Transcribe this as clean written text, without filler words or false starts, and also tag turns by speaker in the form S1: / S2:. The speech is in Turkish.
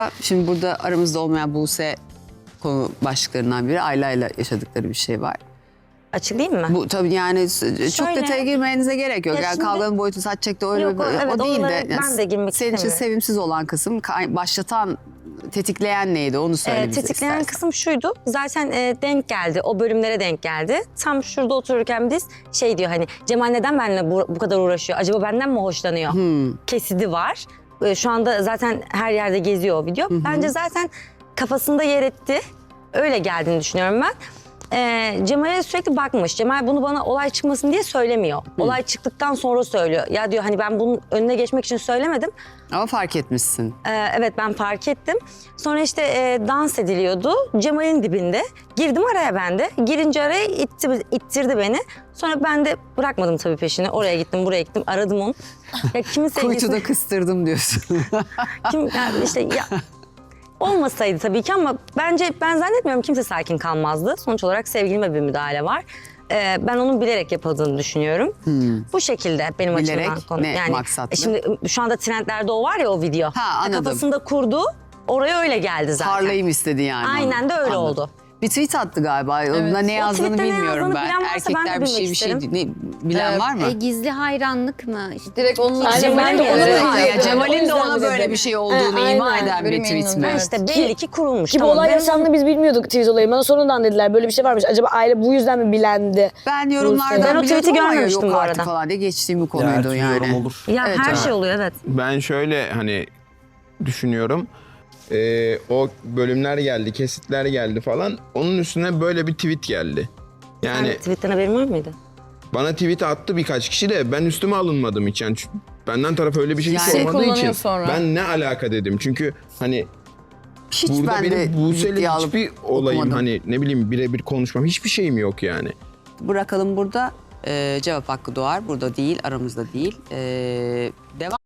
S1: Şimdi burada aramızda olmayan Buse konu başlıklarından biri. Ayla'yla yaşadıkları bir şey var.
S2: Açıklayayım mı?
S1: Bu tabii yani çok
S2: Şöyle,
S1: detaya girmenize gerek yok.
S2: Ya
S1: Yani
S2: şimdi-
S1: kavganın boyutu saç çekti öyle
S2: Yok, evet,
S1: o değil de.
S2: oralara ben de girmek
S1: senin için
S2: istemiyorum.
S1: sevimsiz olan kısım tetikleyen neydi onu söyle bize
S2: Tetikleyen
S1: istersen.
S2: kısım şuydu. Zaten denk geldi. O bölümlere denk geldi. Tam şurada otururken biz şey diyor hani Cemal neden benimle bu kadar uğraşıyor? Acaba benden mi hoşlanıyor? Kesidi var. Şu anda zaten her yerde geziyor o video. Bence zaten kafasında yer etti. Öyle geldiğini düşünüyorum ben. Cemal'e sürekli bakmış. Cemal bunu bana olay çıkmasın diye söylemiyor. Olay çıktıktan sonra söylüyor. Ya diyor hani ben bunun önüne geçmek için söylemedim.
S1: Ama fark etmişsin.
S2: Evet ben fark ettim. Sonra işte dans ediliyordu. Cemal'in dibinde. Girdim araya ben de. Girince araya ittirdi beni. Sonra ben de bırakmadım tabii peşini. Oraya gittim, buraya gittim. Aradım onu. Ya kimin sevgilisi?
S1: Kuytuda kıstırdım diyorsun.
S2: Yani işte ya olmasaydı tabii ki ama bence ben zannetmiyorum kimse sakin kalmazdı. Sonuç olarak sevgilime bir müdahale var. Ben onun bilerek yapıldığını düşünüyorum. Bu şekilde benim
S1: Bilerek
S2: açımdan konu.
S1: ne maksatlı?
S2: Şimdi şu anda trendlerde o var ya o video.
S1: Anladım.
S2: Kafasında kurdu. Oraya öyle geldi zaten.
S1: Parlayayım istedi yani.
S2: Aynen de öyle
S1: Anladım.
S2: oldu.
S1: Bir tweet attı galiba. Onda ne yazdığını
S2: tweette ne
S1: bilmiyorum
S2: yazdığını
S1: ben.
S2: bilen varsa ben de
S1: Erkekler bir şey
S2: bilmek isterim.
S1: bilen var mı?
S3: Gizli hayranlık mı? İşte
S4: Direkt onun
S3: Cemal'in de
S1: Evet,
S3: ona
S1: ya Cemal'in de
S4: O
S1: ona
S4: yüzden
S1: böyle
S4: dedim.
S1: bir şey olduğunu
S4: Aynen.
S1: ima eden bir
S4: Benim
S1: tweet
S4: eminim,
S1: mi?
S4: evet.
S2: İşte belli ki kurulmuş.
S5: Ki bu
S2: Tamam,
S5: olay
S2: ben-
S5: yaşandığını biz bilmiyorduk tweet olayı. Bana sonradan dediler böyle bir şey varmış. Acaba aile bu yüzden mi bilendi?
S1: Ben yorumlardan
S2: Ben o tweet'i
S1: biliyordum ama
S2: görmemiştim
S1: yok
S2: bu
S1: artık
S2: arada.
S1: falan diye geçtiğim bir
S6: Ya,
S1: konuydu
S6: her türlü
S1: yani.
S6: yorum olur.
S2: Ya
S1: Evet,
S2: her
S1: evet.
S2: şey oluyor evet.
S6: Ben şöyle hani düşünüyorum. O bölümler geldi, kesitler geldi falan. Onun üstüne böyle bir tweet geldi. Yani
S2: Yani tweetten haberin var mıydı?
S6: bana tweet attı birkaç kişi de ben üstüme alınmadım hiç. Yani benden taraf öyle bir şey
S1: Yani-
S6: sormadığı
S4: Kullanıyor
S6: için
S4: sonra.
S6: ben ne alaka dedim. Çünkü hani
S1: Hiç
S6: burada
S1: ben de
S6: benim Buse'yle
S1: ciddiye alıp
S6: hiçbir olayım
S1: okumadım.
S6: hani ne bileyim birebir konuşmam hiçbir şeyim yok yani.
S1: Bırakalım burada. Cevap hakkı doğar. Burada değil, aramızda değil. Devam.